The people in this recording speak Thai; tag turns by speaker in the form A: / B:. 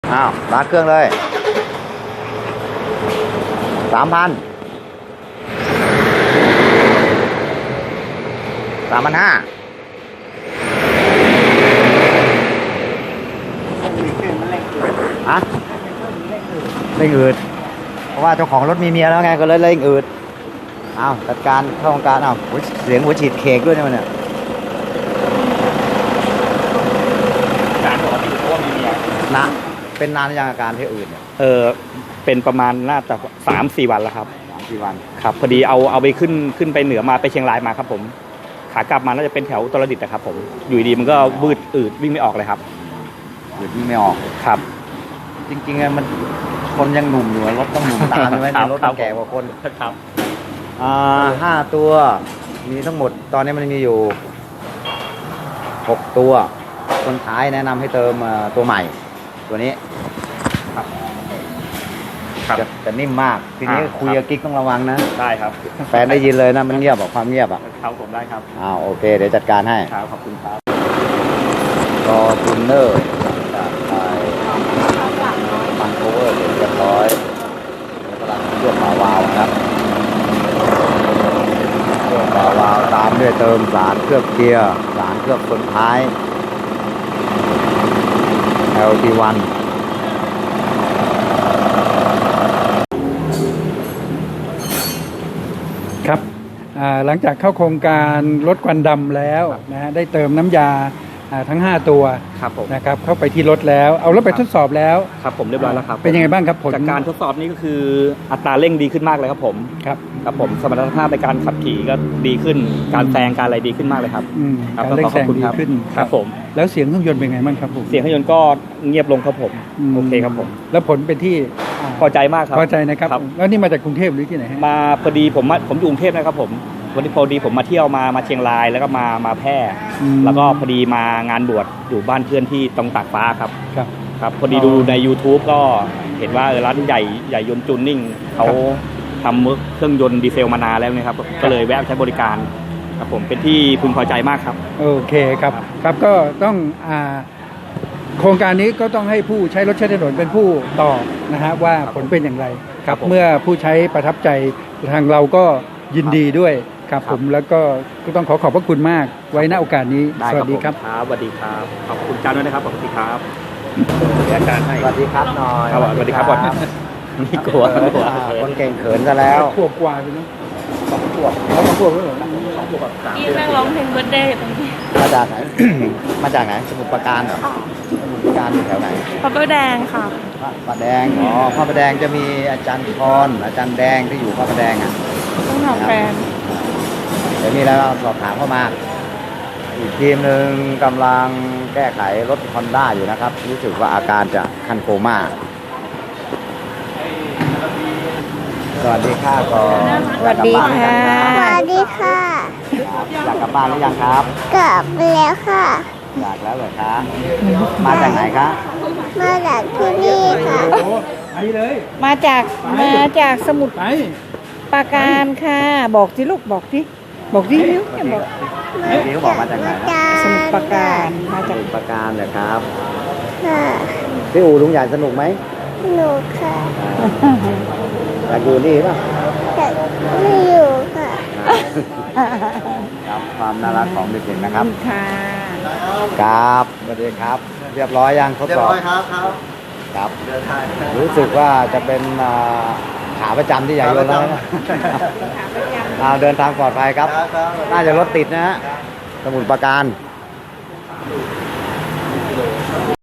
A: อ้าวรัดเครื่องเลย3,000 3,500ฮะเร่งอืดเพราะว่าเจ้าของรถมีเมียแล้วไงก็เลยเร่งอืดอ้าวจัดการเข้าโครงการอ้าวเสียงหัวฉีดเค้กด้วยเนี่ย
B: การปกติเพราะว่ามีเมีย
A: นะเป็นนานยังอาการที่อื่นเนี่ย
B: เป็นประมาณน่าจะ3-4 วันแล้วครับ
A: 3-4 วัน
B: ครับพอดีเอาไปขึ้นไปเหนือมาไปเชียงรายมาครับผมขากลับมาน่าจะเป็นแถวอุตรดิตถ์นะครับผมอยู่ดีมันก็บืดอืดวิ่งไม่ออกเลยครับ
A: วิ่งไม่ออก
B: ครับ
A: จริงๆมันคนยังหนุ่มอยู่รถต้องหนุ่มตามใช่ไหมรถต้องแก่กว่าคน
B: ครับ
A: 5 ตัวมีทั้งหมดตอนนี้มันมีอยู่6 ตัวคนท้ายแนะนำให้เติมตัวใหม่ตัวนี้จะนิ่มมากทีนี้คุยกับกิ๊กต้องระวังนะ
B: ได้ครับ
A: แฟนได้ยินเลยนะมันเงียบบอกความเงียบ
B: ครับผมได้ครับ
A: โอเคเดี๋ยวจัดการให้
B: ครับขอบคุณครับ
A: รอทูนเนอร์จากไทยมันโคเวอร์เรียบร้อยกำลังเลือกวาล์วครับเลือกวาล์วตามด้วยเติมสารเคลือบเกียร์สารเคลือบคนท้าย LT1
C: ครับหลังจากเข้าโครงการลดควันดำแล้วนะฮะได้เติมน้ำยาทั้ง5 ตัวนะครับเข้าไปที่รถแล้วเอารถไปทดสอบแล้ว
B: ครับผมเรียบร้อยแล้วครับ
C: เป็นยังไงบ้างครับผล
B: จากการทดสอบนี้ก็คืออัตราเร่งดีขึ้นมากเลยครับผมครับผมสมรรถภาพในการขับขี่ก็ดีขึ้นการแซงการอะไรดีขึ้นมากเลยครับ
C: การเร่งแซงดีขึ้น
B: ครับผม
C: แล้วเสียงเครื่องยนต์เป็นไงบ้างครับผม
B: เสียงเครื่องยนต์ก็เงียบลงครับผมโอเคครับผม
C: แล้วผลเป็นที่
B: พอใจมากครับ
C: พอใจนะครับแล้วนี่มาจากกรุงเทพหรือที่ไหน
B: มาพอดีผมอยู่กรุงเทพนะครับผมวันนี้พอดีผมมาเที่ยวมาเชียงรายแล้วก็มาแพร่แล้วก็พอดีมางานบวชอยู่บ้านเพื่อนที่ตรงตากฟ้าครับครับพอดีดูใน YouTube ก็เห็นว่าร้านใหญ่ยนต์จูนนิ่งเขาทำเครื่องยนต์ดีเซลมานานแล้วนะครับก็เลยแวะใช้บริการครับผมเป็นที่พึงพอใจมากครับ
C: โอเคครับครับก็ต้องโครงการนี้ก็ต้องให้ผู้ใช้รถใช้ถนนเป็นผู้ตอบนะฮะว่าผลเป็นอย่างไรครับเมื่อผู้ใช้ประทับใจทางเราก็ยินดีด้วยครับผมแล้วก็ต้องขอบพระคุณมากไว้ณโอกาสนี้สวัสดีครับ
B: สวัสดีครับขอบคุณอาจารย์ด้วยนะครับขอบคุณครับอาจารย์ให้
A: สวัสดีครับหน่อย
B: สวัสดีครับนี่กลัว
A: คนเก่งเขินซะแล้ว
C: ขวบกว่าไปเนาะ2 ขวบ2 ขวบแล้วเหรอ2 ขวบ
D: พี่นั่งร้องเพลงเบิร์ดเดย์ตรงนี้
A: มาจากไหนมาจากไหนสมุทรปราการเหรอสมุทรปราการอยู่แถวไหน
D: พระประแดงค่ะ
A: พระประแดงพระประแดงจะมีอาจารย์พรอาจารย์แดงที่อยู่พระประแดง
D: ต้องถามแฟน
A: เดี๋ยวมีอะไรสอบถามเข้ามาอีกทีมหนึ่งกำลังแก้ไขรถ Honda อยู่นะครับรู้สึกว่าอาการจะคันโคม่าสวัสดีค่ะก่อน
D: สวัสดีค่ะ
E: สวัสดีค่ะ
A: อยากกลับบ้านหรือยังครับ
E: กลับแล้วค่ะ
A: อยากแล้วเหรอคะมาจากไหนคะ
E: มาจากที่นี่ค่ะ
D: มาจากสมุทรปราการค่ะบอกที่ลูกบอกที่นิ้ว
A: บอกที่เขาบอกมาจากไหนนะ
D: สมุทรปราการ
A: มาจากสมุทรปราการเลยครับพี่อู๋ลุงใหญ่สนุกไหม
E: สนุกค่ะ
A: อยากอยู่นี่ป่ะ
E: อยากไม่อยู่ค่ะ
A: ครับความน่ารักของเด็กๆนะครับ
D: ค่ะ
A: ครับสวัสดีครับเรียบร้อยยังทดสอบครับรู้สึกว่าจะเป็นขาประจำที่ใหญ่ยนแล้วเดินทางปลอดภัยครับน่าจะรถติดนะฮะสมุทรปราการ